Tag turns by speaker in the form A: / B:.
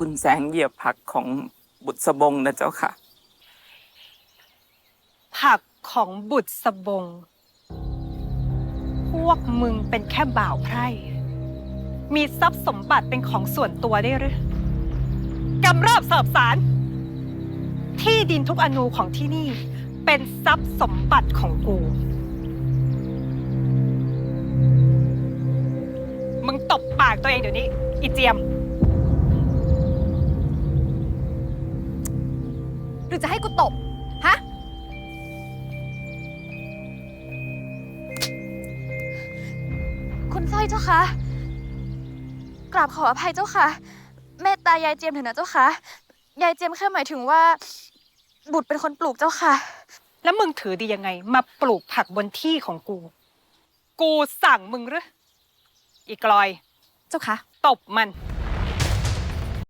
A: กุลแสงเหยียบผักของบุษบงนะเจ้าค่ะ
B: ผักของบุตรสบงพวกมึงเป็นแค่บ่าวไพร่มีทรัพย์สมบัติเป็นของส่วนตัวได้หรือกำเริบเสิบสารที่ดินทุกอนูของที่นี่เป็นทรัพย์สมบัติของกูมึงตบปากตัวเองเดี๋ยวนี้อีเจียม
C: หรือจะให้กูตบฮะคุณสร้อยเจ้าคะกราบขออภัยเจ้าค่ะเมตตายายเจียมเถอะนะเจ้าค่ะยายเจียมแค่หมายถึงว่าบุตรเป็นคนปลูกเจ้าค่ะ
B: แล้วมึงถือดียังไงมาปลูกผักบนที่ของกูสั่งมึงหรืออีกลอย
C: เจ้าค่ะ
B: ตบมัน